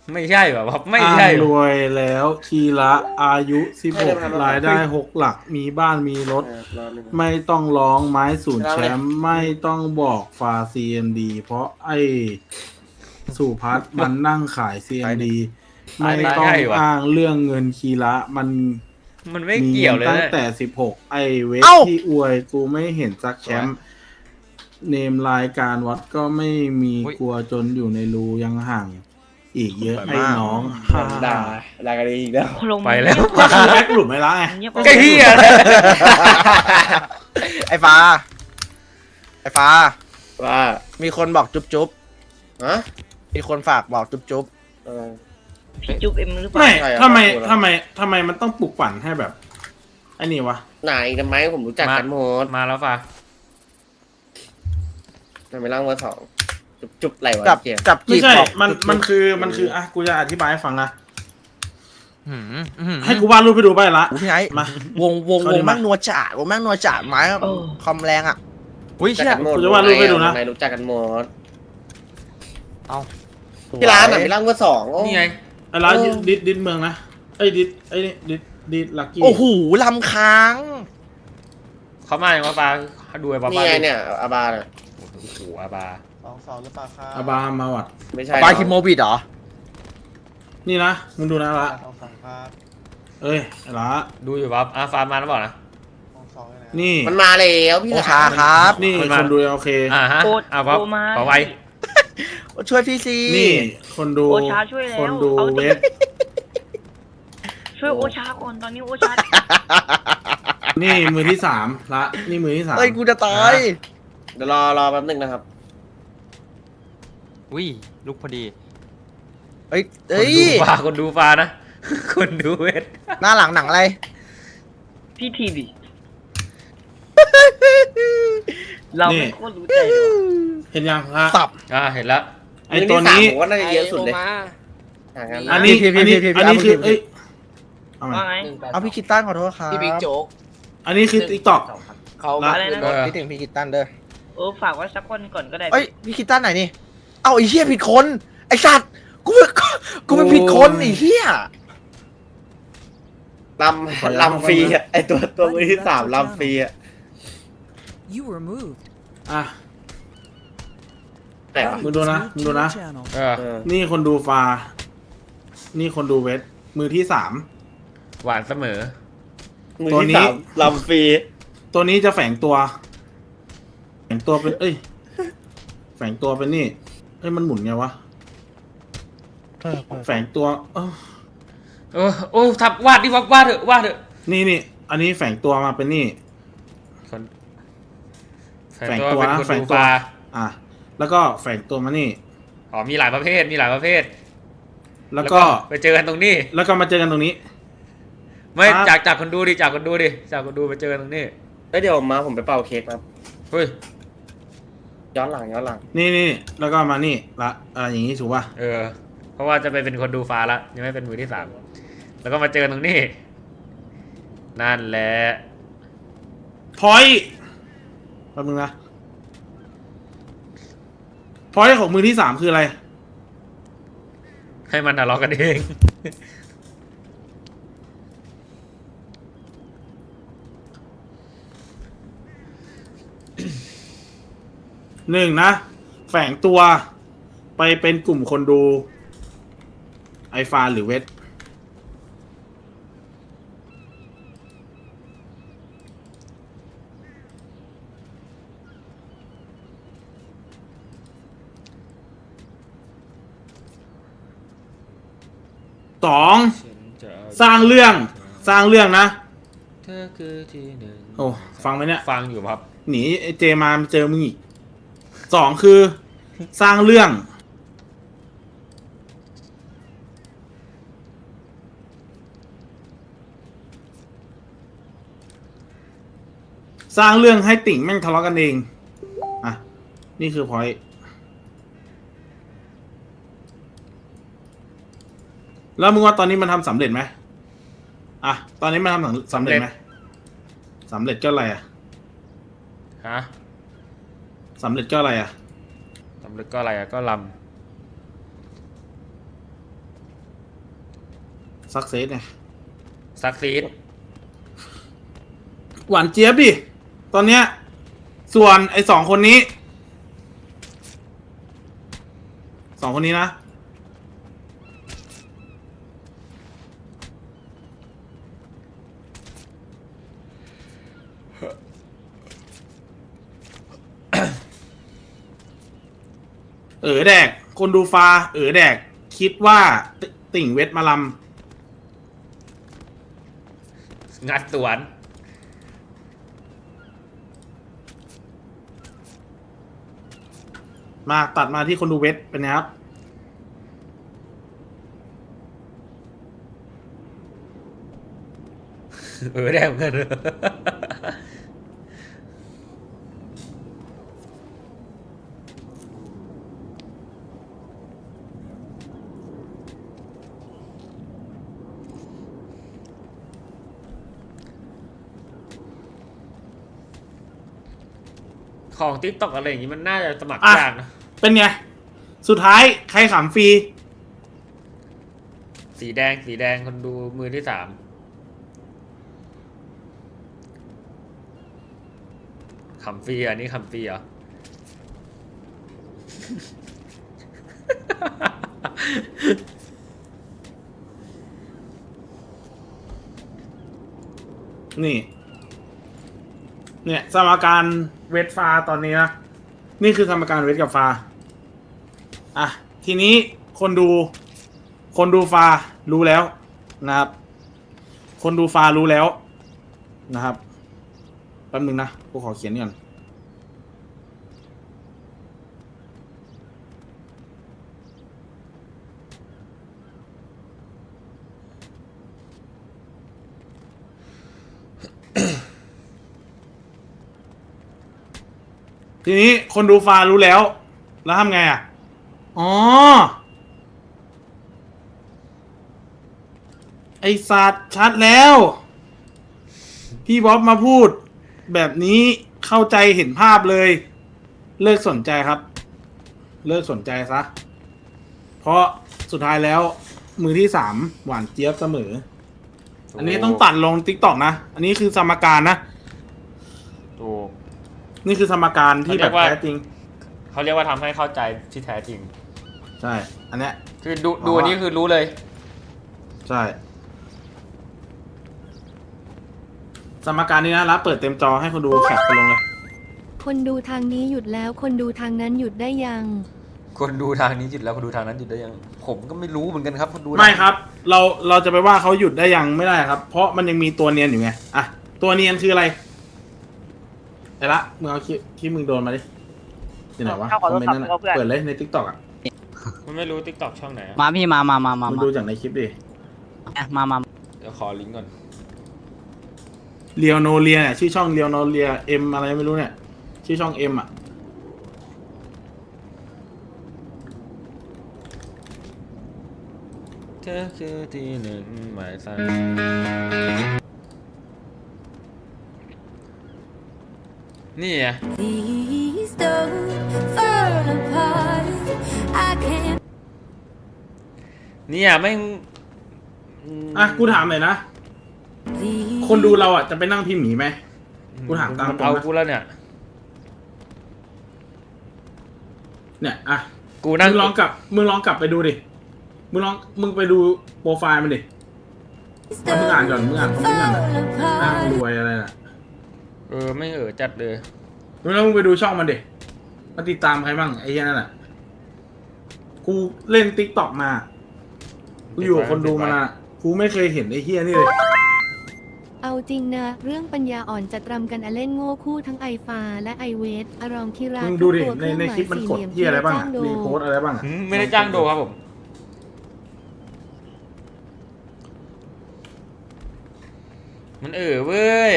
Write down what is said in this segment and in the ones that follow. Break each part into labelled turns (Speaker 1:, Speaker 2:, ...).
Speaker 1: ไม่ใช่แบบว่าไม่
Speaker 2: อ้าง
Speaker 1: ใช่
Speaker 2: รวยแล้วทีละอายุ16รายได้6หลักมีบ้านมีรถ
Speaker 3: รอหนึ่ง
Speaker 2: ไม่ต้องร้องไม้ศูนย์แช
Speaker 3: เล่าเลย
Speaker 2: มป์ไม่ต้องบอกฟา CMD เพราะไอ้สุพัฒน์มันนั่งขาย
Speaker 3: ตายหนึ่ง
Speaker 2: CMD ไม่
Speaker 1: ไม่
Speaker 2: ต้อง
Speaker 1: ใช่วะ
Speaker 2: อ้างเรื่องเงินคีระมัน
Speaker 1: มันไม่
Speaker 2: มี
Speaker 1: เกี่
Speaker 2: เงิน
Speaker 1: ยวเลยนะ
Speaker 2: ตั้งแต่16ไอ้เวท
Speaker 4: เอ้า
Speaker 2: ที่อวยกูไม่เห็นสักแชมป์เนมรายการวัดก็ไม่มีกลัวจนอยู่ในรูยังห่างอีกเยอะไอ้น้องฮ่า
Speaker 3: ด่ากันเองอีกแล้ว
Speaker 5: โคลง
Speaker 1: ไปแล้ว
Speaker 2: ก็คือแบ็กหลุมไม่ละไง
Speaker 5: เงียบ
Speaker 1: ไอ้เหี้ย
Speaker 4: ไอ้ฟ้า ไอ้ฟ้า
Speaker 3: ว่า
Speaker 4: มีคนบอกจุ๊บจุ๊บ
Speaker 3: ฮะ
Speaker 4: มีคนฝากบอกจุ๊บจุ๊บ
Speaker 3: เออ
Speaker 5: พี่จุ๊บเอ็มหรือเปล่า
Speaker 2: ไม่
Speaker 3: ใช่ครับ
Speaker 2: ทำไม
Speaker 3: ครอบครัวเรา
Speaker 2: ทำไมมันต้องปลุกปั่นให้แบบไอ้นี่วะ
Speaker 3: ไหนทำไมผมรู้จักกันหมด
Speaker 1: มาแล้วฟ้า
Speaker 3: ทำไมร่างเบอร์สองจุบไหลวะ
Speaker 4: จับ
Speaker 3: เกียร์
Speaker 4: จับจี
Speaker 2: ไม่
Speaker 4: บ
Speaker 2: ใช่
Speaker 4: บอก
Speaker 2: มันคืออ่ะกูจะอธิบายให้ฟังนะ
Speaker 4: หืมหืม
Speaker 2: ให้กูวาดรูปให้ดูไปละ
Speaker 4: โอ้พี่ไอ้
Speaker 2: มา
Speaker 4: วง
Speaker 2: เขาดีมาก
Speaker 4: แม่งนัวจ่าวงแม่งนัวจ่าไม้คอมแรงอ่ะอุ้ย
Speaker 3: รู้จัก
Speaker 4: เชี่ย
Speaker 3: กันหมด
Speaker 2: กูจะวาดรูปให้ดูนะ
Speaker 3: ไหนรู้จักกันหมด
Speaker 4: เอา
Speaker 3: ที่ร้านอ่ะมีร่างเบอร์สองโอ้
Speaker 1: นี่ไง
Speaker 2: ไอ้ร้าน
Speaker 3: เออ
Speaker 2: ดิดเมืองนะไอ้ดิดไอ้นี่ดิดลักกี้
Speaker 4: โอ้โหลำค้าง
Speaker 1: เขามาอย่างว่าฟ้าดูไอ้บ้า
Speaker 3: นี่ไงเนี่ยอาบาเนี่ย
Speaker 1: โอ้โหอาบา
Speaker 4: 2-2หรือเปล่าครับ
Speaker 2: อาบามาวัด
Speaker 3: ไม่ใช่
Speaker 4: บาคิโมบิดเหรอ
Speaker 2: นี่นะมึงดูนะละ
Speaker 4: 2-2ครับ
Speaker 2: เอ้ยไอ้ละ
Speaker 1: ดูอยู่ปั๊บฟ้ามาแล้วบอกนะ
Speaker 4: 2-2เลยนะ
Speaker 2: นี่
Speaker 3: มันมาแล้วพี่
Speaker 4: โอ
Speaker 3: ร้า
Speaker 4: ชาน ครับ
Speaker 2: นี่
Speaker 1: คนมา
Speaker 2: คนดูโอเค
Speaker 1: ฮะ
Speaker 5: โอ
Speaker 1: ปั๊บ
Speaker 5: โอมา
Speaker 1: ปั๊บไว้
Speaker 4: ช่วยพี่ซี
Speaker 2: นี่คนดู
Speaker 5: โอชาช่วยแล้ว
Speaker 2: คนดู
Speaker 5: เอา
Speaker 2: เวท
Speaker 5: ช่วยโอชาก่อนตอนนี้โอชา
Speaker 2: นี่มือที่สามละนี่มือที่สาม
Speaker 4: เอ้ยกูจะตาย
Speaker 3: เดี๋ยวรอแป๊บนึงนะครับ
Speaker 6: อุ้ยลุกพอดี
Speaker 4: เอ้ย
Speaker 1: ค
Speaker 4: เอ้
Speaker 1: น
Speaker 4: ย
Speaker 1: ดูฟ้าคนดูฟ้านะ คนดูเวท
Speaker 4: หน้าหลังหนังอะไร
Speaker 5: พี่ทีดิเราไม่โคตรรู้ใจเลยว่ะ
Speaker 2: เห็นยังละ
Speaker 4: สับ
Speaker 1: เห็นแล้ว
Speaker 2: ไอ้ตัวนี้
Speaker 3: มือที่สามผมว่าน่าจะเยอะสุดเลยห่างกัน
Speaker 2: อันนี้
Speaker 4: พี่
Speaker 2: อันนี้คือเอ้ยเอาใหม่
Speaker 5: ว่าไง
Speaker 4: เอาพี่คิตตันขอโทษครับ
Speaker 6: พี่บิ๊กโจ๊ก
Speaker 2: อันนี้คือติ๊กต็อก
Speaker 6: เขา
Speaker 2: ละ
Speaker 5: อะไรนะ
Speaker 4: คิดถึงพี่คิตตันเด้อ
Speaker 5: ฝากไว้สักคนก่อนก็ได้
Speaker 4: เอ้ยพี่คิตตันไหนนี่ เอาไอ้เหี้ยผิดคนไอ้สัตว์กูเป็นผิดคนไอ้เหี้ย
Speaker 3: ลำฟรีอ่ะไอตัวมือที่สามลำฟรีอ่ะ
Speaker 7: You were moved.
Speaker 2: อ่ะ
Speaker 3: แต่วะ
Speaker 2: มึงดูนะ
Speaker 7: Moved
Speaker 2: มึง
Speaker 7: to
Speaker 2: ดู
Speaker 7: your
Speaker 2: นะ
Speaker 7: channel.
Speaker 3: เออ
Speaker 2: นี่คนดูฟา นี่คนดูเวท มือที่สาม
Speaker 1: หวานเสมอ
Speaker 3: มือ
Speaker 2: ตัว
Speaker 3: ที่
Speaker 2: นี้
Speaker 3: สามลำฟรี
Speaker 2: ตัวนี้จะแฝงตัว แฝงตัวเป็น เอ้ย แฝงตัวเป็นนี่ เอ้ย มันหมุนไงวะ แฝงตัว
Speaker 1: โอ้ทับวาดดิวาดเถอะวาดเถอะ
Speaker 2: นี่ อันนี้แฝงตัวมาเป็นนี่
Speaker 1: คน
Speaker 2: แฝงตัวนะ
Speaker 1: เป็นคน
Speaker 2: แฝง
Speaker 1: ดู
Speaker 2: ตัว
Speaker 1: ฟ้า
Speaker 2: อ่ะ แล้วก็แฝงตัวมานี่
Speaker 1: อ๋อมีหลายประเภทมีหลายประเภท
Speaker 2: แล้วก็
Speaker 1: ไปเจอกันตรงนี้
Speaker 2: แล้วก็มาเจอกันตรงนี้
Speaker 1: ไม่
Speaker 2: ครับ
Speaker 1: จากคนดูดิจากคนดูไปเจอกันตรงนี้
Speaker 3: เดี๋ยวมาผมไปเป่าเค้กครับ
Speaker 1: เฮ้ย
Speaker 3: ย้อนหลัง
Speaker 2: นี่ แล้วก็มานี่ละอย่างนี้ถูกป่ะ
Speaker 1: เพราะว่าจะไปเป็นคนดูฟ้าละยังไม่เป็นมือที่สามแล้วก็มาเจอกันตรงนี้นั่นแหละ
Speaker 2: พอยแป๊บนึงนะ พอยของมือที่สามคืออะไร
Speaker 1: ให้มันทะเลาะกันเอง
Speaker 2: หนึ่งนะ แฝงตัวไปเป็นกลุ่มคนดู ไอฟาหรือเวท สองสร้างเรื่องนะ
Speaker 1: เธอคือที่หนึ่ง
Speaker 2: โอ้ฟังไหมเนี่ย
Speaker 1: ฟังอยู่ครับ
Speaker 2: หนีไอเจมาเจอมึงอีกสองคือ สร้างเรื่อง สร้างเรื่องให้ติ่งแม่งทะเลาะกันเอง อ่ะ นี่คือพอยต์แล้วมึงว่าตอนนี้มันทำสำเร็จไหมอ่ะ ตอนนี้มันทำสำเร็จไหมสำเร็จก็อะไรอ่ะ
Speaker 1: ฮะ
Speaker 2: สำเร็จก็อะไรอ่ะ
Speaker 1: สำเร็จก็อะไรอะก็ล
Speaker 2: ซักเซสไง
Speaker 1: ซักซีด
Speaker 2: หวานเจี๊ยบดิ ตอนเนี้ย ส่วนไอ้2 คนนี้ 2 คนนี้นะ แดก คนดูฟ้า แดก คิดว่าติ่งเวทมาล
Speaker 1: งัดสวน
Speaker 2: ำมาตัดมาที่คนดูเวทเป็นไงครับ
Speaker 1: ได้เหมือนกัน ของติ๊กต็อกอะไรอย่างงี้มันน่าจะสมัคร
Speaker 2: อ่ะ
Speaker 1: ยากนะ
Speaker 2: เป็นไง สุดท้ายใครขำฟรี
Speaker 1: สีแดงคนดูมือที่ 3ขำฟรีอันนี้ขำฟรีเหรอ
Speaker 2: นี่ เนี่ยสมการเวทฟ้าตอนนี้นะ นี่คือสมการเวทกับฟ้า อ่ะ ทีนี้คนดูฟ้ารู้แล้วนะครับ คนดูฟ้ารู้แล้วนะครับแป๊บนึงนะกูขอเขียนก่อนทีนี้คนดูฟ้ารู้แล้ว แล้วทำไงอ่ะ อ๋อ ไอสัตว์ชัดแล้ว พี่บ๊อบมาพูด แบบนี้เข้าใจเห็นภาพเลย เลิกสนใจครับ เลิกสนใจซะ เพราะสุดท้ายแล้ว มือที่ 3 หวานเจี๊ยบเสมอ อันนี้ต้องตัดลง TikTok นะ อันนี้คือสมการนะ
Speaker 1: ถูก
Speaker 2: นี่คือสมการที่แบบ
Speaker 1: เขาเรียกว่า
Speaker 2: แท้จริง
Speaker 1: เขาเรียกว่าทำให้เข้าใจที่แท้จริง
Speaker 2: ใช่ อันเนี้ย
Speaker 1: คือดูอันนี้คือรู้เลย
Speaker 2: ใช่ สมการนี้นะรับเปิดเต็มจอให้คนดูแคปไปลงเลย
Speaker 6: คนดูทางนี้หยุดแล้ว คนดูทางนั้นหยุดได้ยัง
Speaker 1: คนดูทางนี้หยุดแล้วคนดูทางนั้นหยุดได้ยัง ผมก็ไม่รู้เหมือนกันครับคนดู
Speaker 2: ไม่ครับ เราจะไปว่าเขาหยุดได้ยังไม่ได้ครับ เพราะมันยังมีตัวเนียนอยู่ไง อ่ะ ตัวเนียนคืออะไรไอ้ละมึงเอาคลิปมึงโดนมาดิที่ไหนวะคอมเมนต์นั่นน่ะเปิดเลยใน TikTok อ่ะ
Speaker 1: มันไม่รู้ติ๊กต็อกช่องไหนอะ
Speaker 8: มาพี่มา
Speaker 2: มึงดูจากในคลิปดิ
Speaker 8: มา
Speaker 1: เดี๋ยวขอลิงก์ก่อน
Speaker 2: เรียวโนเลียเนี่ยชื่อช่องเรียวโนเลียเอ็มอะไรไม่รู้เนี่ย ชื่อช่องเอ็มอ่ะ
Speaker 1: เธอคือที่หนึ่งหมายสั่นนี่ไง
Speaker 6: Please don't fall apart I can't
Speaker 1: เนี่ยแม่ง
Speaker 2: อ่ะกูถามหน่อยนะ คนดูเราอ่ะจะไปนั่งพิมพ์หมีไหม กูถามตามตรงนะ
Speaker 1: เอากูแล้วเนี่ย
Speaker 2: เนี่ยอ่ะ
Speaker 1: กูนั่ง
Speaker 2: มึงลองกลับไปดูดิ มึงไปดูโปรไฟล์มันดิแล้วมึงอ่านก่อนมึงอ่านคอมเมนต์ก่อนนะอ้างรวยอะไรน่ะ
Speaker 1: ไม่จัดเลย
Speaker 2: แล้วมึงไปดูช่องมันดิมาติดตามใครบ้างไอ้เหี้ยนั่นแหละกูเล่น TikTok มา กูอยู่กับคนดูมานะกูไม่เคยเห็นไอ้เหี้ยนี่เลย
Speaker 6: เอาจริงนะ เรื่องปัญญาอ่อนจัดรำกันอเล่นโง่คู่ทั้งไอฟ้าและไอเวทอารองคิรา
Speaker 2: มึงดูดิ
Speaker 6: ทุกตัว
Speaker 2: ในคลิปมันกด
Speaker 6: เครื่องหมาย
Speaker 2: เหี้ยอะไรบ้าง
Speaker 6: สี่
Speaker 2: อะ
Speaker 6: เหลี่ยม
Speaker 2: รีโพสต์อะไรบ้างอะ
Speaker 1: ไม่ได้จ้างโดครับผม มันเว้ย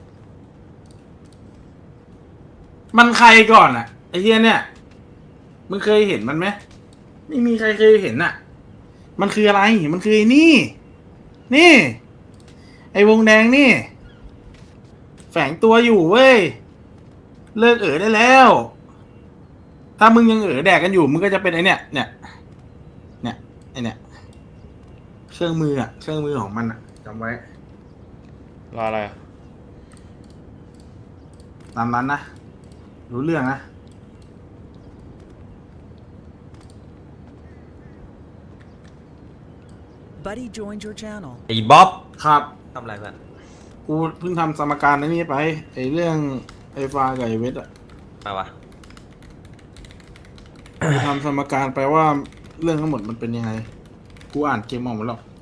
Speaker 2: มันใครก่อนอะไอ้เหี้ยเนี่ย มึงเคยเห็นมันไหมไม่มีใครเคยเห็นอะมันคืออะไร มันคือไอ้นี่ นี่ ไอ้วงแดงนี่ แฝงตัวอยู่เว้ย เลิกได้แล้ว ถ้ามึงยังแดกกันอยู่ มึงก็จะเป็นไอเนี่ย เนี่ย ไอเนี่ย ขเครื่องมืออ่ะ เครื่องมือของมันอ่ะจำไว้
Speaker 1: รออะไรอะ
Speaker 2: ตามนั้นนะ รู้เรื่องนะ
Speaker 7: Buddy joined your channel.
Speaker 8: ไอ้บ๊อบ
Speaker 2: ครับ
Speaker 8: ทำอะไรเพื่อน
Speaker 2: กูเพิ่งทำสมการในนี้ไปไอ้เรื่องไอ้ฟ้ากับไอ้เวทอ่ะ
Speaker 8: มาวะ
Speaker 2: กูทำสมการไปว่าเรื่องทั้งหมดมันเป็นยังไง กูอ่านเกมออกหมดแล้ว